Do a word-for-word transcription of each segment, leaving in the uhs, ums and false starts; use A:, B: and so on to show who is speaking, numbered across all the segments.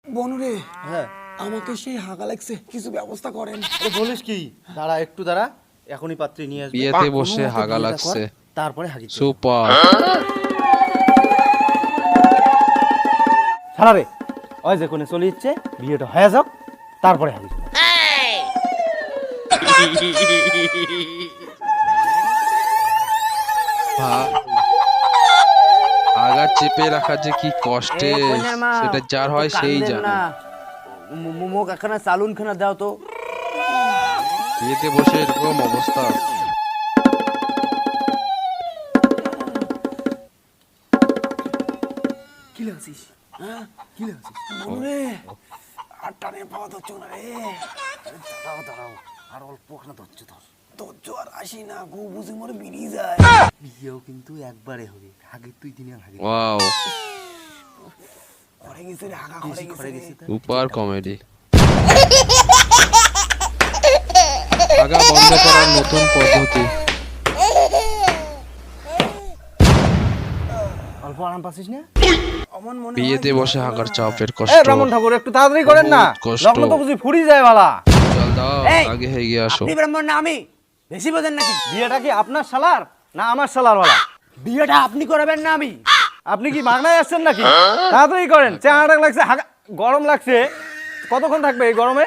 A: বনুরে,
B: হ্যাঁ
A: আমাকে সেই হাগা লাগছে, কিছু ব্যবস্থা করেন।
B: আরে বলিস কি? দাঁড়া একটু দাঁড়া, এখনই পাত্রী নিয়ে আসবে।
C: বিয়েতে বসে হাগা লাগছে,
B: তারপরে হাগি
C: সুপার।
B: ছাড়া রে, ওই যে কোনে চলে যাচ্ছে, বিয়েটা হয়ে যাক তারপরে হাগি।
C: আগা চেপে রাখা যে কি কষ্টে, সেটা যার হয় সেই জানে।
B: মুখ একখানা চালুন খানা দাও তো।
C: বিয়েতে বসে এরকম অবস্থা।
A: কি লাগছিস? হ্যাঁ কি লাগছিস? বনুরে, আর টানে পাওয়া ধরছো না রে।
B: দাঁড়াও দাঁড়াও, আর অল্প খানা ধরছো ধর।
A: ধরছ আর আসি না, গু বুঝি মরে বেরিয়ে যায়।
B: বিয়েও কিন্তু একবারে হবে, হাগি তুই দিনে হাগি।
C: ওয়াও,
A: খড়ে গেছে রে, হাগা খড়ে গেছে।
C: Super comedy. আগা বন্ধ করার নতুন পদ্ধতি।
B: অল্প আরাম পাচ্ছিস না?
A: অমন মনে
C: বিয়েতে বসে হাগার চাপের
B: এ
C: কষ্ট।
B: ব্রাহ্মণ ঠাকুর একটু তাড়াতাড়ি করেন না,
C: বহুত কষ্ট।
B: লগ্ন তো বুঝি ফুরি যায় বালা।
C: চল দাও,
A: এই,
C: আগে হয়ে গিয়ে আসো।
A: আপনি ব্রাহ্মণ না আমি? বেশি বোঝেন নাকি?
B: বিয়েটা কি আপনার শালার না আমার শালার বালা?
A: বিয়েটা আপনি করাবেন না আমি?
B: আপনি কি মাগনায় আসছেন নাকি? তাড়াতাড়ি করেন, চেহারাটা লাগছে হাগা, গরম লাগছে। কতক্ষণ থাকবে এই গরমে?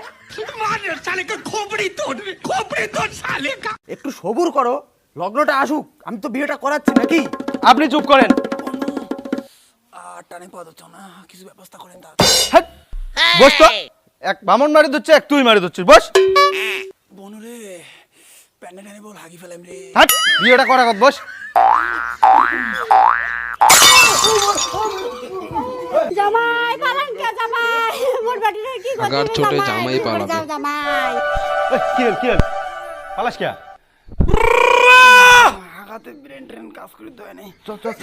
A: একটু সবুর করো, লগ্নটা আসুক, আমি তো বিয়েটা করাচ্ছি নাকি?
B: আপনি চুপ করেন।
A: আর টানে পাওয়া ধরছো না, কিছু ব্যবস্থা করেন। তার
B: হ্যাট, বস তো। এক বামন মারি দিচ্ছে, এক তুই মারি দিচ্ছিস, বস।
A: বনুরে, প্যান্ডে টানে বল হাগি ফেলাম রে।
B: হাট, বিয়েটা করা কত, বস।
D: জামাই পালান কে জামাই? মোর বাড়িতে কি করছিস?
C: হাগার চোটে জামাই পালাবে।
D: যাও জামাই।
B: এই, কি হল কি হল? পালাস কে?
A: হাগাতে ব্রেন ট্রেন কাজ করে দেয় নাই।
B: চল চল।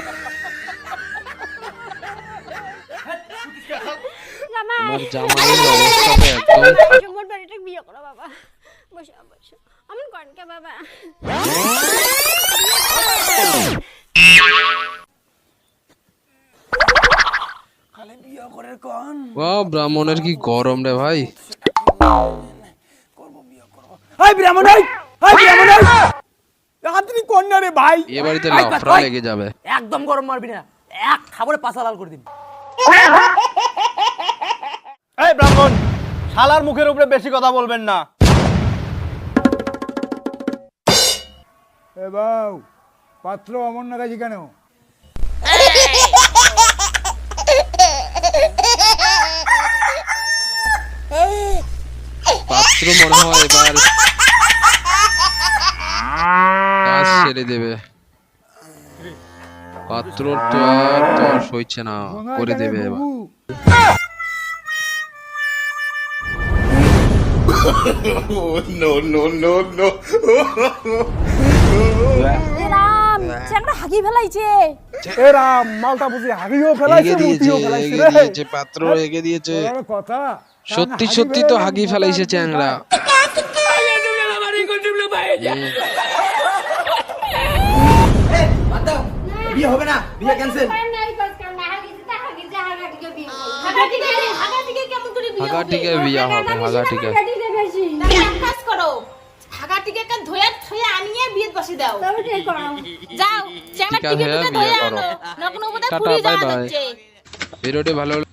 D: জামাই
C: আমার জামাইয়ের অবস্থাটা একদম।
D: মোর বাড়িতে বিয়ে করো বাবা। বসো বসো। আমন কোন কে বাবা?
A: খালি বিয়ে করে কোন?
C: ওয়াও, ব্রাহ্মণের কি গরম রে ভাই।
A: করব বিয়ে করব। এই ব্রাহ্মণ, এই এই ব্রাহ্মণ, এই আপনি কোন না রে ভাই?
C: এ বাড়িতে লাফড়া লেগে যাবে।
A: একদম গরম মারবি না, এক খাবারে পাছা লাল করে দিবি।
B: এই ব্রাহ্মণ, শালার মুখের উপরে বেশি কথা বলবেন না।
E: এ বাউ, পাত্র অমর না কাছে কেন?
C: পাত্র মনে হয় এবার কাজ ছেড়ে দেবে। পাত্র তো আর তর সইছে না, করে দেবে এবার।
D: রাম চেংড়া হাগি ফেলাইছে।
E: এ রাম, মালটা বুঝি হাগিও ফেলাইছে,
C: এগে দিয়েছে,
E: মুতিও ফেলাইছে
C: এগে
E: রে।
C: দিয়েছে, পাত্র এগে দিয়েছে।
E: বড় কথা।
C: সত্যি সত্যি তো হাগি ফেলাইছে চ্যাংড়া।
A: বিয়ে হবে না, বিয়ে ক্যান্সেল।
C: হাগা টিকে বিয়া হবে, হাগা টিকে।
F: কাজ করো, হাগাটিকে কান ধোয়া ধোয়া আনিয়ে বিয়ে বসে দাও।
D: তবে ঠিক করো।
F: যাও, চ্যাংড়া
C: টিকা
F: টিকে
C: হয়ে
F: টিকে
C: বিয়ে
F: ধোয়া
C: করো।
F: আনো। নগ্ন বোধহয়
C: টাটা,
F: পুরি
C: বাই
F: যাওয়া
C: বাই।
F: যাচ্ছে।
C: ভিডিওটি ভালো